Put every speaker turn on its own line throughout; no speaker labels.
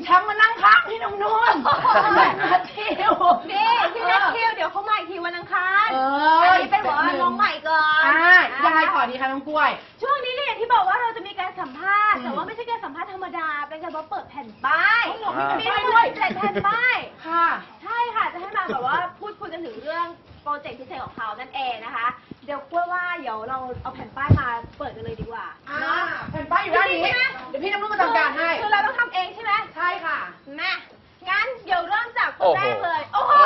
แชมป์มานั่งข้างพี่นุ่นนัททิว
นี่พี่นัททิวเดี๋ยวเขามาอีกทีวันอังคารอันนี้เป็นว่าน้องใหม่ก่อน
ยังไงขอดีคะน้องกล้วย
ช่วงนี้เนี่ยที่บอกว่าเราจะมีการสัมภาษณ์แต่ว่าไม่ใช่การสัมภาษณ์ธรรมดาเป็นการเปิดแผ่นป้ายมีด้วย7 แผ่นป้าย
ค่ะ
ใช่ค่ะจะให้มาแบบว่าพูดคุยกันถึงเรื่องโปรเจกต์พิเศษของเขานั่นเองนะคะเดี๋ยวกล้วยว่าเดี๋ยวเราเอาแผ่นป้ายมาเปิดกันเลยดีกว่า
แผ่นป้ายอยู่ด้านนี้เดี๋ยวพี่น้ำนุ่นมาทำการให้
คือเราต้องทำเองใช่ไหม
ใช่ค่ะ
แม่งั้นเดี๋ยวเริ่มจากคนแรกเลยโอ้โห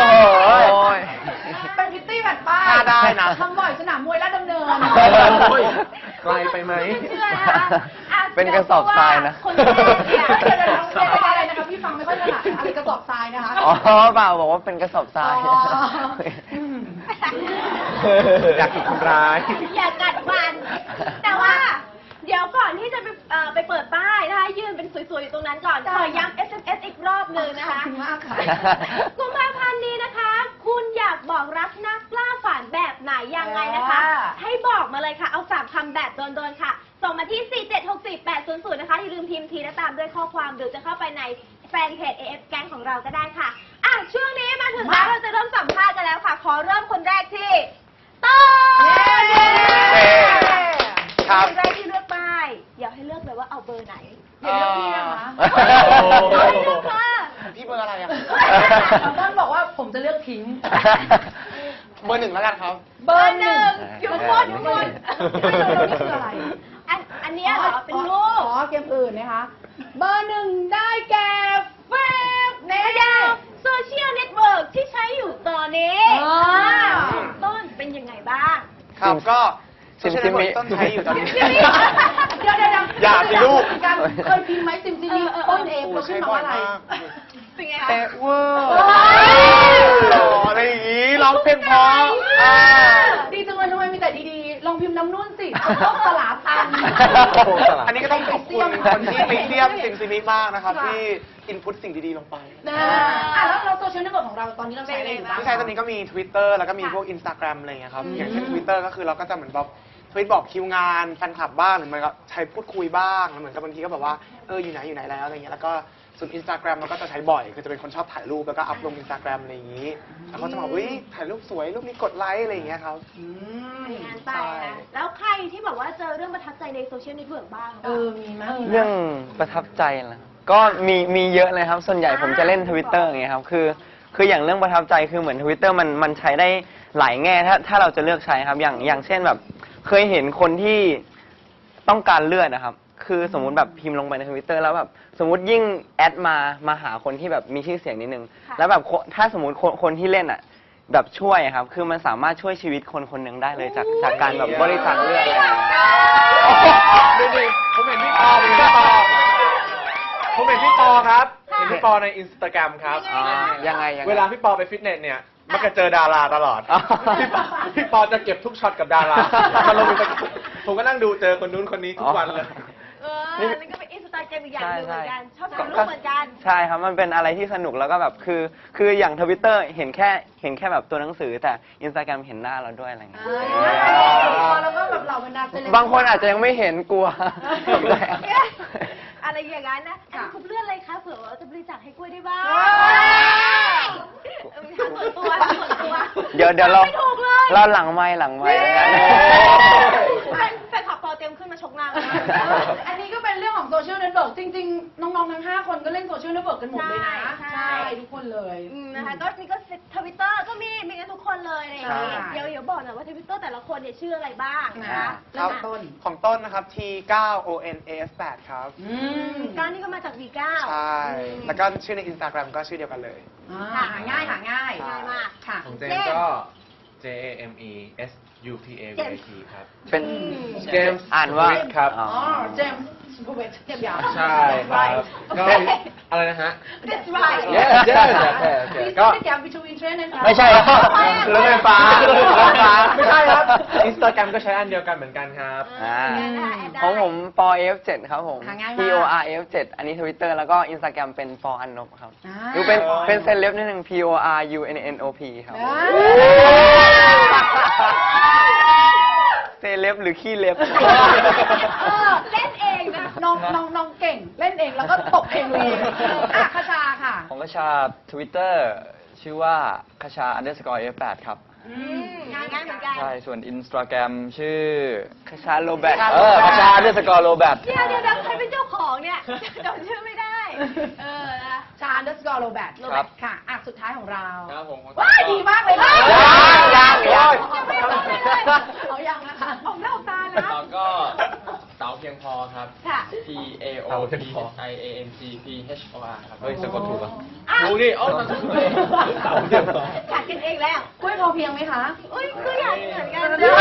เป็นพิตตี้แผ่นป้าย
ได้นะ
ทำบ่อยสนามมวยลาดดำเนิน
ไกลไปไหม
เชื่อนะคะ
เป็นกระสอบทรายนะ
คนแรกเนี่ย
อะไรนะคะพี่ฟังไม่ค่อยถนัดอะไรกระสอบทรายนะคะ
อ๋อเปล่าบอกว่าเป็นกระสอบทราย
อยากถูกทำร้าย
อยากกัดมันแต่ว่าเดี๋ยวก่อนที่จะไปเปิดป้ายนะคะยืนเป็นสวยๆอยู่ตรงนั้นก่อนขอย้ำ SMS อีกรอบหนึ่งนะคะกุมภาพันธ์นี้นะคะคุณอยากบอกรักนักล่าฝันแบบไหนยังไงนะคะให้บอกมาเลยค่ะเอา3 คำแบบโดนๆค่ะส่งมาที่4764800นะคะอย่าลืมพิมพ์ทีและตามด้วยข้อความหรือจะเข้าไปในแฟนเพจ AF แก๊งของเราก็ได้ค่ะช่วงนี้มาถึงแล้วเราจะเริ่มสัมภาษณ์กันแล้วค่ะขอเริ่มคนแรกที่ต้นคนแรกที่เลือกป้ายอยากให้เลือกเลยว่าเอาเบอร์ไหน
อย่าเลือกพี่นะคะ
พี่เบอร์อะไรอ่ะ
ต้นบอกว่าผมจะเลือกพิงค์
เบอร์ 1แล้วกันครับ
เบอร์ 1อยู่บนนี่
คืออะไร
อันนี้เหรอเป็นรูป
เกมอื่นนะคะเบอร์ 1ได้แก่เฟซ
เนเดลโซเชียลเน็ตเวิร์กที่ใช้อยู่ตอนนี้ต้นเป็นยังไงบ้าง
ครับก็โซเชียลเน็ตเวิร์กต้นใช้อยู่ตอนนี้
เดี๋ยว
อย่าสิลูก
เคยพิมพ์ไหมซิมซิมิต้นเองเราขึ้นมาว่าอะไร
เป็นไงคะ
เวอร์หล่ออะไรอย่างนี้ร้องเพลงเพราะ
ดีจังเลยทำไมมีแต่ดีๆลองพิมพ์น้ำนุ่นสิต้องสลาพัน
อันนี้ก็ต้องขอบคุณคนที่ไปเทียบซิมซิมิมากนะครับที่อินพุตสิ่งดีๆลงไป
แล้วโซเชียลเน็ตเวิร์กของเราตอนนี้เราใช้อะไรบ้าง
ที่ใช้ตอนนี้ก็มี Twitter แล้วก็มีพวก Instagram อะไรอย่างเงี้ยครับอย่างเช่น Twitter ก็คือเราก็จะเหมือนแบบทวิตบอกคิวงานแฟนคลับบ้างหรือมันก็ใช้พูดคุยบ้างเหมือนกับบางทีก็แบบว่าอยู่ไหนแล้วอะไรเงี้ยแล้วก็ส่วน Instagram เราก็จะใช้บ่อยคือจะเป็นคนชอบถ่ายรูปแล้วก็อัพลง Instagram อะไรอย่างงี้แล้วเขาจะบอกถ่ายรูปสวยรูปนี้กดไลค์อะไรอย่างเงี้ยครับ
งานไปนะแล้วใครที่แบบว่าเจอเรื่องประทับใจในโซเชียลเน็ตเวิร์กบ้าง
มีไหม
เรื่องประทับใจนะก็มีเยอะเลยครับส่วนใหญ่ผมจะเล่น Twitter อย่างเงี้ยครับคืออย่างเรื่องประทับใจคือเหมือน Twitter มันใช้ได้หลายแง่ถ้าเราจะเลือกใช้ครับอย่างเช่นแบบเคยเห็นคนที่ต้องการเลือดนะครับคือสมมุติแบบพิมพ์ลงไปใน Twitter แล้วแบบสมมุติยิ่งแอดมาหาคนที่แบบมีชื่อเสียงนิดนึงแล้วแบบถ้าสมมุติคนที่เล่นอ่ะแบบช่วยครับคือมันสามารถช่วยชีวิตคนหนึ่งได้เลยจากการแบบบริจาคเลือด
ดูดิผมเห็นพี่ปอครับเห็นพี่ปอใน Instagram ครับ
ยังไง
เวลาพี่ปอไปฟิตเนสเนี่ยมักจะเจอดาราตลอดพี่ปอจะเก็บทุกช็อตกับดารามาลงผมก็นั่งดูเจอคนนู้นคนนี้ทุกวันเลย
นี่ก็เป็นอินสตาแกรมอีกอย่างหนึ่งเหมือนกันชอบถ่ายรูปเหมือนกัน
ใช่ครับมันเป็นอะไรที่สนุกแล้วก็แบบคืออย่าง Twitter เห็นแค่แบบตัวหนังสือแต่ Instagram เห็นหน้าเราด้วยอะไรเงี้ย
แล้วก็แบบเราบรรดา
บางคนอาจจะยังไม่เห็นกลัว
อะไรอย่างนั้นนะคุณเลื่อนเลยคะเผื่อว่าจะบริจาคให้กล้วยได้บ้างส่วนตัว
เดี๋ยวเราหลังไม้
แฟนคลับพอเต็มขึ้นมาชกหน้า
อันนี้ก็เป็นเรื่องของโซเชียลเน็ตเวิร์กจริงๆน้องๆทั้ง5คนก็เล่นโซเชียลเน็ตเวิร์กกันหมดเลยนะใช่ทุกคนเลย
นะคะก็นี่ก็ทวิตเตอร์ก็มีกันทุกคนเลยอะไรอย่างนี้เดี๋ยวบอกหน่อยว่าทวิตเตอร์แต่ละคนเนี่ยชื่ออะไรบ้างนะคะ
ของต้นนะครับ T9ONAS8 ครับ
ก้าวนี่ก็มาจาก V9
ใช่แล้วก็ชื่อใน Instagram ก็ชื่อเดียวกันเลย
หาง่าย
มาก
ค่ะ
ของเจมก็ JAMESUPAVT ครับ
เป็น
เจมส์
อ่านว่า
ครับ
เจมส์บูเวตเทียบยาว
ใช่ครับก็อะไรนะฮะ
That's right
ก็แกม between train นะครับ
ไม่ใช่ครับรถไฟฟ้า
ไม่ใช่ครับ Instagram ก็ใช้อันเดียวกันเหมือนกันครับ
ของผมปอ F7 ครับผม PORF7 อันนี้ Twitter แล้วก็ Instagram เป็นปออันนบครับดูเป็นเซเลบนิดนึง PORUNNOP ครับเซเลบหรือขี้เล็บ
เล่นเองงนะ
น้องเก่งเล่นเองแล้วก็ตบเองเลยอ่ะคชาค่ะ
ของคชา Twitter ชื่อว่าคชา _F8 ครับ
งานเหมือนกัน
ใช่ ส่วน Instagram ชื่อคชาโรแบท
คชา
คชาโรแบท
เดี๋ยวใครเป็นเจ้าของเนี่ยจำชื่อไม่ได้ นะ
ชา_โรแบท
ครับ
ค่ะอ่ะสุดท้ายของเรา
ครับผม
ว้ายดีมากเลยค่ะ
ยัง
ยังไม่ต้องเลย
เอายังนะคะ
ออกหน้าออกตานะ
แล้วก็เต๋าเพียงพอครับ
ค่ะ
T A O P I A N G P H O R ครับ
เฮ้ยสะกดถูกอ่ะ
ถูกดิเอ้าเต๋าเพียงพอ
ขัดกันเองแล้ว
กล้วยพอเพียงไหมคะ
อุ้ยก็อยากเหมือนกัน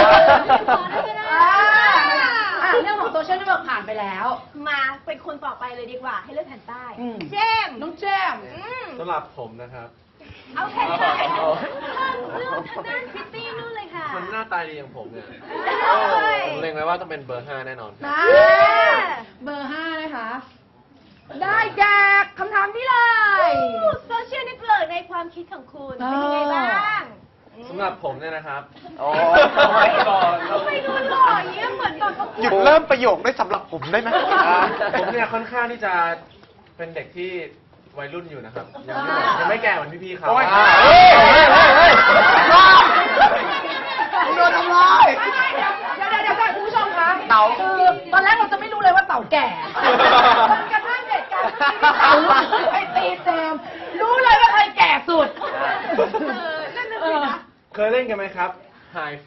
เรื่องของโซเชียลเน็ตเวิร์กผ่านไปแล้ว
มาเป็นคนต่อไปเลยดีกว่า ให้เลือกแผ่นใต้
อืม
เจมส์
น้องแจม
สำหรับผมนะครับ
เอาแผ่นใต้เลือกทางด้านพิตตี้นู่นเลยค่ะ
คนหน้าตาดีอย่างผมเนี่ย
เอ้ย
ผมเล็งไว้ว่าต้องเป็นเบอร์ 5 แน่นอนครับ
นะเบอร์ 5 นะคะ ได้แจกคำถามที่เลย
โซเชียลเน็ตเวิร์กในความคิดของคุณเป็นยังไงบ้าง
สำหรับผมเนี่ยนะครับ
โอ้
ทำไมดูหล่ออย่างเงี้ยเหมือนตอนประกว
หยุ
ด
ดเริ่มประโยคด้วยสำหรับผมได้ไหม
ผมเนี่ยค่อนข้างที่จะเป็นเด็กที่วัยรุ่นอยู่นะครับ ยังไม่แก่เหมือนพี่ๆเขา
โอ้ย
เฮ้ยเฮ้ยเฮ้ยเฮ้ย
โดนทำร้าย
เดี๋ยวคุณผู้ชมคะเต่าคือตอนแรกเราจะไม่รู้เลยว่าเต่าแก่จนกระทั่งเหตุการณ์ที่เต่าไปตีแจมรู้เลยว่าใครแก่สุด
นั่นน่ะสินะ
เคยเล่นกันไหมครับไฮไฟ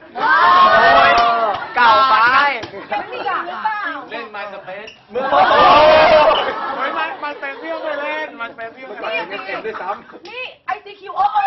เก่าไป
ไม่มีอย่าง
หรือ
อ่ะ
เปล่า
เล่น My Space เมื่อ
มันเป็นเพี่ยวไปเล่น มันเป็นเพี่ยวไป
มัน
เล่น
เอ็มด้วยซ้
นี่ ICQ โอ้โห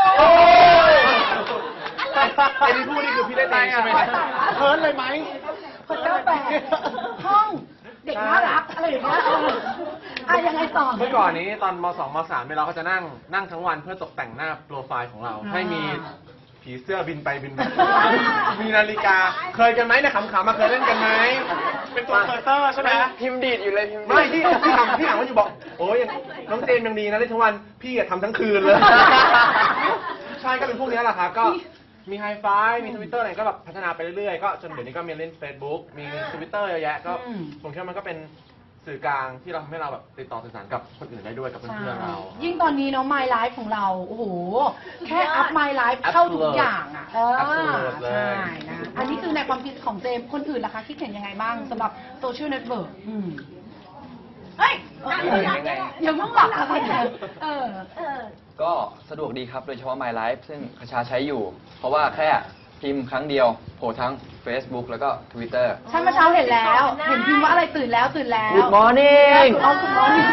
ำไอ้ที่พูดนี่คือพี่เล่นเองใช่ไหมครับ
เคิร์นเลยไหม
คนเจ้าแปดห้องเด็กน่ารักอะไรอย่างเงี้ยอ่ะยังไงต่อ
เมื่อก่อนนี้ตอนม .2 ม .3 เนี่ยเราก็จะนั่งทั้งวันเพื่อตกแต่งหน้าโปรไฟล์ของเรา ให้มีผีเสื้อบินไปบินมา มีนาฬิกา เคยกันไหมเนี่ยขำๆมาเคยเล่นกันไหม
เป็นตัวเคอร์เตอร์ใช่ไหม
พิมพ์ดีดอยู่เลยพิมพ์ดีด
ไม่พี่ถามว่าอยู่บอก โอ้ยน้องเจนยังดีนะเล่นทั้งวัน พี่อะทำทั้งคืนเลย ใช่ก็เป็นพวกนี้แหละครับก็มีไฮไฟมีทวิตเตอร์อะไรก็แบบพัฒนาไปเรื่อยๆ ก็จนเดี๋ยวนี้ก็มีเล่น Facebook มีทวิตเตอร์เยอะแยะก็ผมคิดว่ามันก็เป็นสื่อกลางที่เราทำให้เราแบบติดต่อสื่อสารกับคนอื่นได้ด้วยกับเพื่อนๆเรา
ยิ่งตอนนี้เนาะ My Life ของเรา โอ้โห แค่อัพ My Life เข้าทุกอย่างอ่ะ
Absolute เลย
ใช่นะ อันนี้คือในความคิดของเจมส์คนอื่นล่ะคะ คิดเห็นยังไงบ้างสำหรับโซเชียลเน็ตเวิร์กเฮ้ยอย่าเพิ่งหลับค่ะคุณเออ
ก็สะดวกดีครับ โดยเฉพาะ My Life ซึ่งคชาใช้อยู่ เพราะว่าแค่พิมพ์ครั้งเดียวโผล่ทั้ง Facebook แล้วก็ Twitter
ฉันเมื่อเช้าเห็นแล้ว เห็นพิมพ์ว่าอะไรตื่นแล้ว
Good morning
อ๋อ Good morning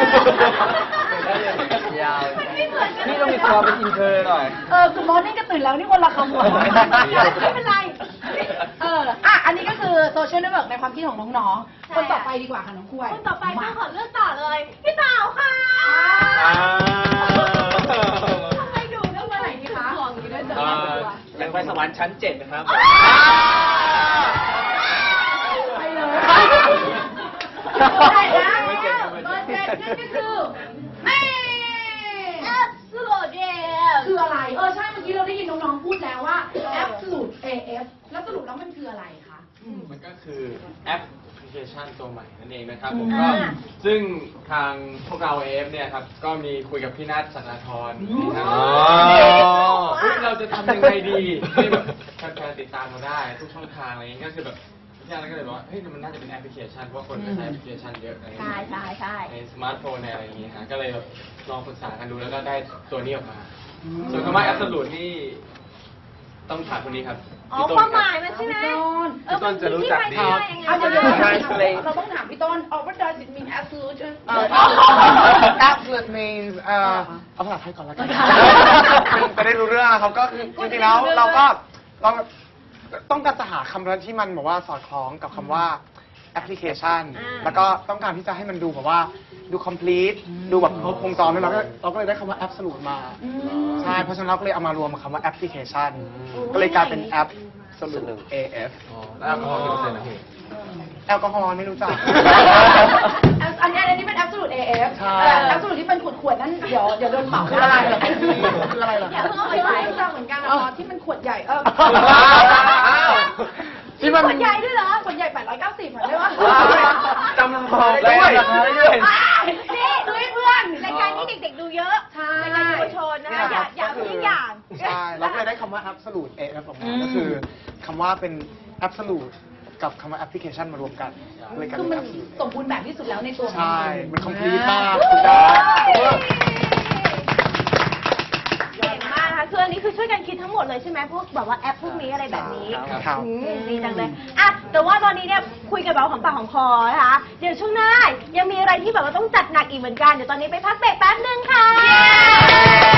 ยาวนี่ต้องมีความเป็นอินเทอร์หน่อย
Good morning ก็ตื่นแล้วนี่คนละคำหมดไม่เป็นไร อันนี้ก็คือโซเชียลเน็ตเวิร์กในความคิดของน้องๆ คนต่อไปดีกว่าค่ะน้องกล้วย
คนต่อไปต้องขอเลือกต่อเลย พี่เต๋าค่ะทำไมดูต้องมาไหนดีคะห่วงอยู่ด้วยเจอ
ยังไปสวรรค์ชั้น 7 นะครับ
ไปเลยได้นะเบอร์เจ็ดนั่นก็คือ
Absolute Jam
คืออะไร ใช่ เมื่อกี้เราได้ยินน้องๆ พูดแล้วว่า Absolute AF แล้วสรุปแล้วมันคืออะไรคะ
มันก็คือแอปพลิเคชันตัวใหม่นั่นเองนะครับผมก็ซึ่งทางพวกเราเอฟเนี่ยครับก็มีคุยกับพี่นัทสักดาธรนะครับเราจะทำยังไงดีให้แบบแฟนๆติดตามเราได้ทุกช่องทางอะไรอย่างเงี้ยก็คือแบบพี่นัทก็เลยบอกว่าเฮ้ยมันน่าจะเป็นแอปพลิเคชันเพราะคนก็ใช้แอปพลิเคชันเยอะอะไรอย่างเงี้ย
ใช่
ในสมาร์ทโฟนในอะไรอย่างเงี้ยฮะก็เลยแบบลองปรึกษากันดูแล้วก็ได้ตัวนี้ออกมาส่วนคำว่าแอปสลูดนี่ต้องถามคนนี้ครับ
อ๋อความหมายมันใช่ไหม
พี่ต้นจะรู้จักดี
เดี๋ยว
ใช่เพลง
เราต้องถามพี่ต้น what does it mean absolute
absolute means เอาภาษาไทยก่อนแล้วกันจะได้รู้เรื่องนะครับก็คือจริงๆแล้วเราต้องการจะหาคำที่มันแบบว่าสอดคล้องกับคำว่าแอปพลิเคชัน แล้วก็ต้องการที่จะให้มันดูแบบว่าดู complete ดูแบบครบวงจรด้วยเราก็เลยได้คำว่า absolute มา ใช่ เพราะฉะนั้นเราก็เลยเอามารวมกับคำว่าแอปพลิเคชัน ก็เลยกลายเป็นแอป absolute AF
แล้วก็กี่เปอร์เซ็นต์นะพี่
แอลกอฮอล์ไม่รู้จัก
อันนี้เป็น absolute AF
ใช่
absolute ที่เป็นขวดๆนั้นเดี๋ยวโดนเหมา
คืออะไรเหรอคืออะไรเหรอ
อย่าเพิ่งเอาไปใส่รู้จักเหมือนกันที่มันขวดใหญ่
ที่มัน
ขวดใหญ่ด้วยเหรอขวดใหญ่890เหมือนได้ปะ
จำบอกได้ด้วย
นี่ดูให้เพื่อนรายการนี้เด็กๆดูเยอะ
ใช่
รายการเยาวชนนะคะอย่าทิ้งอย่าง
ใช่เราก็เลยได้คำว่า absolute AF ออกมาก็คือคำว่าเป็น absolute กับคำว่า application มารวมกันเลยกลาย
คือ
เป็
มัน
น absolute
สมบูรณ์แบบที่สุดแล้วในตัวของ
ใช่
มัน
มัน complete มาก
เก่
สุดยอด
งมากนะคะคืออันนี้คือช่วยกันคิดทั้งหมดเลยใช่ไหมพวกแบบว่าแอปพวกนี้อะไรแบบนี้
ครับ
ดีจังเลยอ่ะแต่ว่าตอนนี้เนี่ยคุยกันแบบของปากของคอนะคะเดี๋ยวช่วงหน้ายังมีอะไรที่แบบว่าต้องจัดหนักอีกเหมือนกันเดี๋ยวตอนนี้ไปพักเบรกแป๊บนึงค่ะ